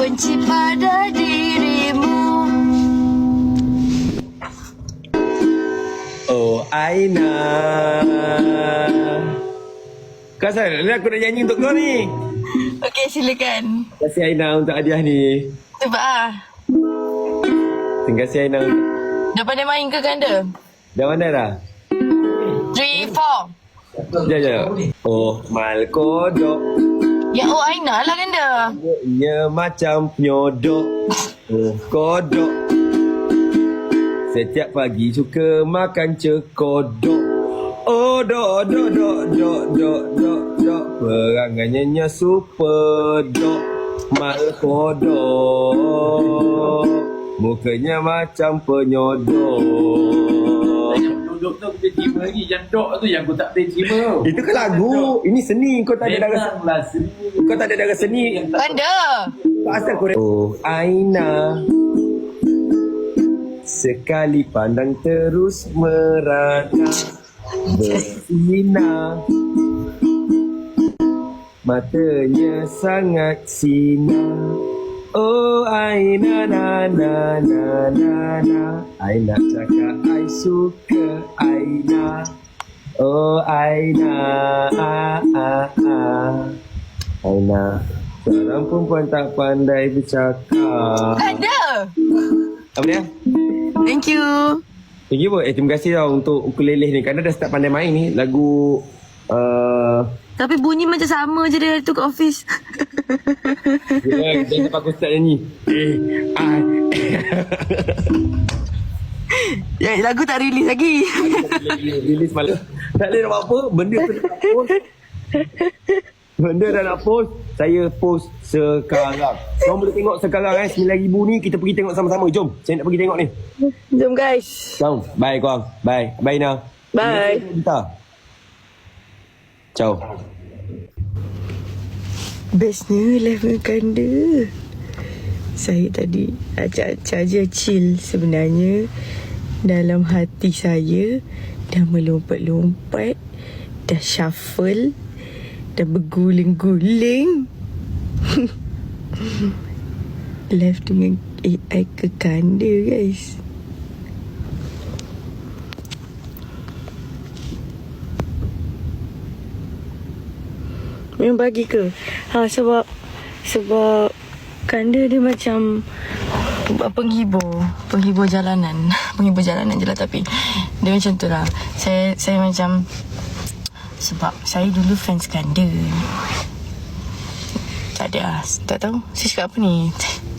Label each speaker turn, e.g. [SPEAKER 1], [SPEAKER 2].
[SPEAKER 1] benci pada dirimu.
[SPEAKER 2] Oh Aina. Kau asal ni aku nak nyanyi untuk kau ni.
[SPEAKER 1] Okey, silakan.
[SPEAKER 2] Terima kasih Aina untuk hadiah ni.
[SPEAKER 1] Cuba ah.
[SPEAKER 2] Terima kasih Aina.
[SPEAKER 1] Dah pandai main ke ganda?
[SPEAKER 2] Dah mana dah?
[SPEAKER 1] 3, 4.
[SPEAKER 2] Sekejap. Oh mal kodok.
[SPEAKER 1] Ya, oh Aina lah ganda.
[SPEAKER 2] Ia macam penyodok. Oh kodok. Setiap pagi suka makan cekodok. Oh dok dok dok dok dok dok dok. Perangannya super dok. Mal kodok. Mukanya macam penyodok.
[SPEAKER 3] Dok tu boleh terima lagi. Yang dok tu yang aku tak boleh terima.
[SPEAKER 2] Itu kan lagu. Ini seni. Kau tak ada darah.
[SPEAKER 3] Memanglah seni.
[SPEAKER 2] Kau tak ada darah seni.
[SPEAKER 1] Ganda.
[SPEAKER 2] Kau asal kau. Oh Aina. Sekali pandang terus merana bersinar. Matanya sangat sinar. Oh Aina na na na na na. Aina cakap I suka Aina. Oh Aina Aina. Seorang perempuan tak pandai bercakap.
[SPEAKER 1] Ganda.
[SPEAKER 2] Apa dia?
[SPEAKER 1] Thank you.
[SPEAKER 2] Thank you pun. Terima kasih tau untuk ukulele ni. Kerana dah start pandai main ni. Lagu
[SPEAKER 1] Tapi bunyi macam sama je dari tu kat office.
[SPEAKER 2] dia sampai aku start nyanyi.
[SPEAKER 1] Ya, lagu tak release lagi.
[SPEAKER 2] Release malam. Tak boleh nak buat apa. Benda tu nak post. Benda dah nak post. Saya post sekarang. Korang boleh tengok sekarang 9,000 ni. Kita pergi tengok sama-sama. Jom. Saya nak pergi tengok ni.
[SPEAKER 1] Jom guys.
[SPEAKER 2] Jom. Bye korang. Bye. Bye Ina.
[SPEAKER 1] Bye.
[SPEAKER 2] Kita. Ciao.
[SPEAKER 1] Bestnya live dengan ganda. Saya tadi acak-acak je chill. Sebenarnya dalam hati saya dah melompat-lompat, dah shuffle, dah berguling-guling. Live dengan AI ke ganda guys. Memang bagi ke? Sebab ganda dia macam penghibur jalanan. Penghibur jalanan je lah, tapi dia macam tu lah. Saya macam, sebab saya dulu fans ganda. Tak ada lah. Tak tahu saya cakap apa ni.